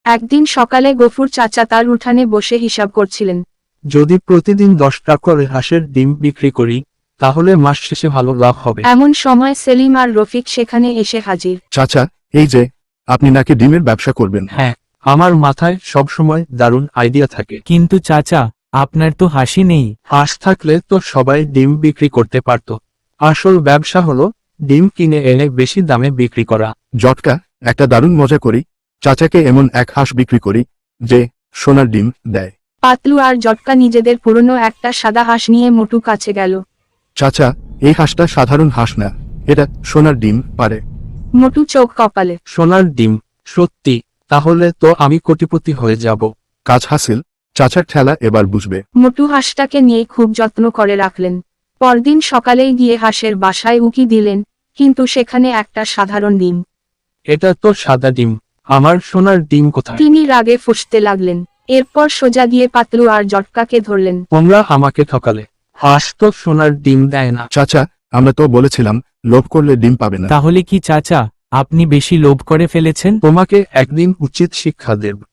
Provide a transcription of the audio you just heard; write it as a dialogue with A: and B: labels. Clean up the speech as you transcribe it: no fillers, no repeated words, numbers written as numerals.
A: একদিন সকালে গফুর চাচা তার উঠানে বসে হিসাব করছিলেন।
B: যদি প্রতিদিন 10টা করে হাঁসের ডিম বিক্রি করি তাহলে মাস শেষে ভালো লাভ হবে।
A: এমন সময় সেলিম আর রফিক সেখানে এসে হাজির।
C: চাচা, এই যে আপনি নাকি ডিমের ব্যবসা করবেন?
B: হ্যাঁ, আমার মাথায় সবসময় দারুণ আইডিয়া থাকে।
D: কিন্তু চাচা, আপনার তো হাসি নেই।
B: হাঁস থাকলে তো সবাই ডিম বিক্রি করতে পারত। আসল ব্যবসা হলো ডিম কিনে এনে বেশি দামে বিক্রি করা।
C: জটকা, একটা দারুণ মজা করি। চাচাকে এমন এক হাঁস বিক্রি করি যে সোনার ডিম দেয়।
A: পাতলু আর জটকা নিজেদের পুরনো একটা সাদা হাঁস নিয়ে মোটু কাছে গেল।
C: চাচা, এই হাঁসটা সাধারণ হাঁস না, এটা সোনার ডিম পারে।
A: মোটু চোখ কপালে।
B: সোনার ডিম? সত্যি? তাহলে তো আমি কোটিপতি হয়ে যাব।
C: কাজ হাসিল, চাচার ঠেলা এবার বুঝবে।
A: মোটু হাঁসটাকে নিয়ে খুব যত্ন করে রাখলেন। পরদিন সকালেই গিয়ে হাঁসের বাসায় উকি দিলেন, কিন্তু সেখানে একটা সাধারণ ডিম।
B: এটা তো সাদা ডিম, আমার সোনার ডিম কোথায়?
A: তিনি রাগে ফুঁসতে লাগলেন। এরপর সোজা গিয়ে পাতলু আর জটকাকে ধরলেন।
B: তোমরা আমাকে ঠকালে, হাঁস তো সোনার ডিম দেয় না।
C: চাচা, আমরা তো বলেছিলাম লোভ করলে ডিম পাবে না।
D: তাহলে কি চাচা, আপনি বেশি লোভ করে ফেলেছেন?
B: তোমাকে একদিন উচিত শিক্ষা দেব।